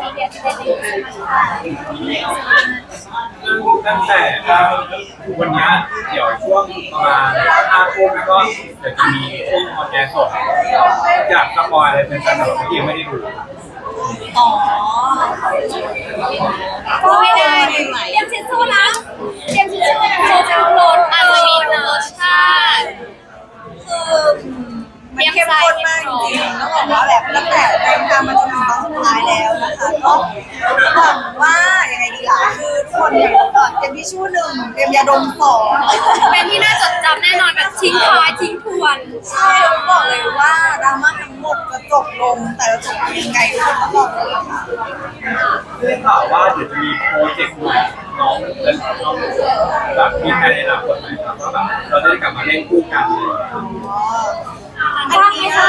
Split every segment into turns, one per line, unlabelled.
media today. Thank you so much ค่ะ
ตั้งแต่วันนี้เดี๋ยวช่วงประมาณ5 ทุ่มแล้วก็เดี๋ยวจะมีช่วงออนแอร์สดอยากสปอยอะไรเป็นการแบบที่ยังไม่ได้ดู
อ๋อก็ไม่ได้เตรียมทิชชู่นะเตรียมทิชชู่โชว์จะโหลดอาจจะมีรสชาติคือ
มันเข้มข้นมากจริงๆต้องบอกว่าแบบตั้งแต่เดินทางมาจนถึงตอนสุดท้ายแล้วนะคะก็หวังว่ายังไงดีล่ะคือทุกคนเนี่ยเตรียมทิชชู่1เตรียมยาดม2
เป็นที่น่าจดจำแน่นอนแบบทิ้งท้ายทิ้งทวน
ใช่แล้วบอกเลยว่าดราม่าทั้งหมดจะจบลงแต่จะจบยังไงทุกคนต้องบอกเลยค่ะ
ได้ข่าวว่าเดี๋ยวจะมีโปรเจกต์ใหม่น้องและน้องแบบมีแผนในอนาคตไหมครับว่าแบบเราจะได้กลับมาเล่นคู่กันเลย
อันนี้ค่ะ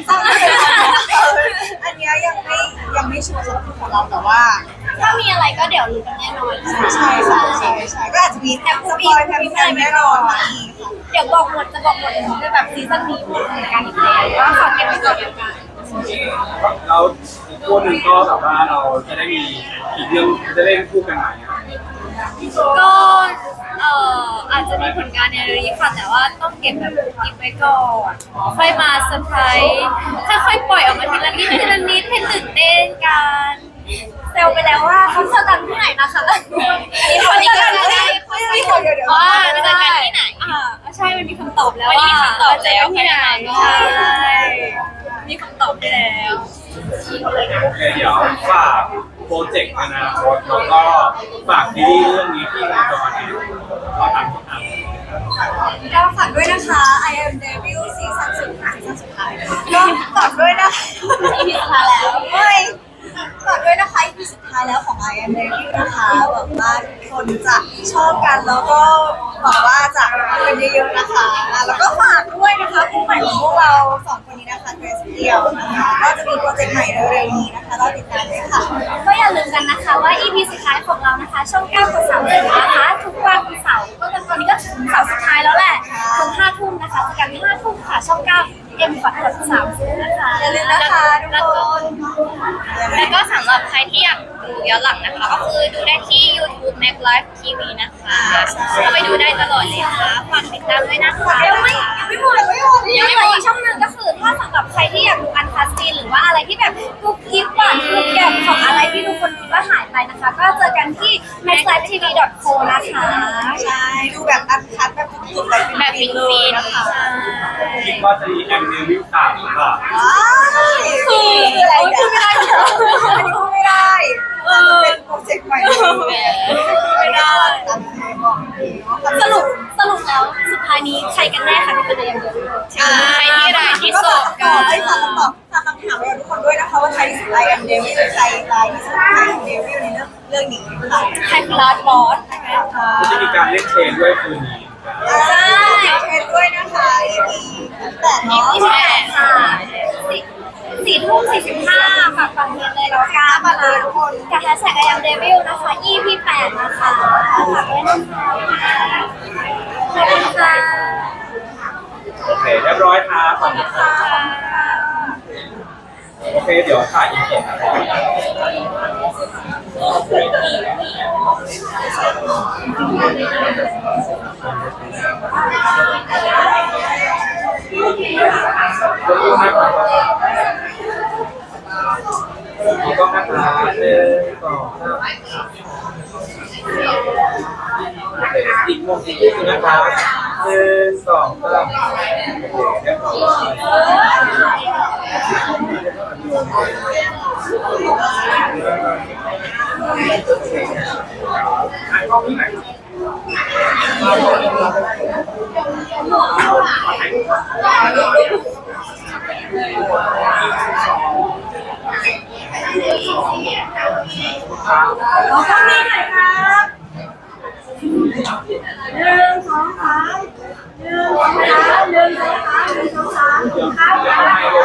อันนี้ยังไม่ชัวร์สำหรับของเราแต่ว่า
ถ้ามีอะไรก็เดี๋ยวรู้กันแน่นอน
ใช่ค่ะใช่ก็อาจจะมีแอบสปอยแฟนๆแน่นอนค่ะ
เดี๋ยวบอกหมดจะบอกหมดจะแบบซีซั่นนี้หมดเหมือนกันอีกแล้วก็ฝากเก็บไว้ก่อนแล้วกัน
เราอีกคู่หนึ่งก็แบบว่าเราจะได้มีอีกเรื่องจะเล่นคู่กันใหม่
ก็อาจจะมีผลงานในเรื่องนี้ค่ะแต่ว่าต้องเก็บแบบอิบไว้ก่อนค่อยมาเซอร์ไพรส์ค่อยๆปล่อยออกมาทีละนิดทีละนิดให้ตื่นเต้นกันเซลไปแล้วว่าเขาเจอกันที่ไหนนะคะนี่คนนี้ก็ได้จะเจอกันที่ไหนใช่มันมีคำตอบแล้วว่าเจอกันที่ไหนใช่มีคำตอบได้แล้ว
โอเคเดี๋ยวฝากโปรเจกต์อนาคตแล้วก็ฝากซีรีส์เรื่องนี้ที่คุณจอเนี่ยก็ทำ
ก็ฝากด้วยนะคะ I am Devil ซีซั่นสุดท้ายก็ฝากด้วยนะคะ
EP สุดท้ายแล้ว
ฝากด้วยนะคะ EP สุดท้ายแล้วของ I am Devil นะคะหวังว่าทุกคนจะชอบกันแล้วก็หวังว่าจะเป็นเยอะๆนะคะแล้วก็ฝากด้วยนะคะคู่ใหม่ของพวกเรา2 คนนี้นะคะเกรซเดียวนะคะก็จะมีโปรเจกต์ใหม่เร็วๆนี้นะคะเราติดตามด้วยค่ะ
ก็อย่าลืมกันนะคะว่า EP สุดท้ายของเรานะคะช่อง9 กด 30นะคะทุกวันเสาร์ก็ตอนนี้ก็เสาร์สุดท้ายแล้วแหละถึง5 ทุ่มนะคะเจอกัน5 ทุ่มค่ะช่อง9กด 30นะคะ
อย่าลืมนะคะทุกคน
แล้วก็สำหรับใครที่อยากดูย้อนหลังนะคะก็คือดูได้ที่ YouTube Mac Live TV นะคะก็ไปดูได้ตลอดเลยค่ะฝากติดตามด้วยนะคะยังไม่หมดยังไม่หมดอีกช่องนึงก็คือถ้าสำหรับใครที่อยากดูอันคัสซีนหรือว่าอะไรที่แบบกุ๊กกิ๊บหวานกุ๊กแกมของอะไรที่ทุกคนคิดว่าหายไปนะคะก็เจอกันที่ maclivetv.co นะคะ
ใช่ดูแบบอันคัสแบบสุดๆแบบฟินๆนะคะ
คิดว่าจะมีแอมเนวิว3หรือเปล่า
คืออะไรพูดไม่ได้อันนี้พูดไม่ได้เป็นโปรเจกต์ใหม่ไม่ได้
สรุปแล้วสุดท้ายนี้ใครกันแน่คะที่เป็นยังเดียวใครที่ร้ายที่สุด
ก็ให้ฟังคำถามเราทุกคนด้วยนะคะว่าใครที่สุดไลน์อันเดวิลใครร้ายที่สุดไลน์อันเดวิลในเรื่องนี้ค่ะ
ใครคือลาสบอสนะคะ
จะมีการเล่นเชนด้วยคืนนี้
ใช่เชนด้วยนะคะ EP
8ค่ะ4 ทุ่ม 45ฝากฟังเพลงเลยแล้วกันมาเลยทุกคนกับแฮชแท็ก I am Devil นะคะ EP 8นะคะฝากด้วยนะคะขอบคุณค่ะ
โอเคเรียบร้อยค่ะขอบคุณค่ะโอเคเดี๋ยวถ่ายอินเสิร์ตก็นะคะอีกมุมอีกทีนะคะ1 2 3เรียบร้อยก็พี่ไหน
เราต้องมีหน่อยครับ1 2 3 1 2 3 1 2 3 1 2 3ครับ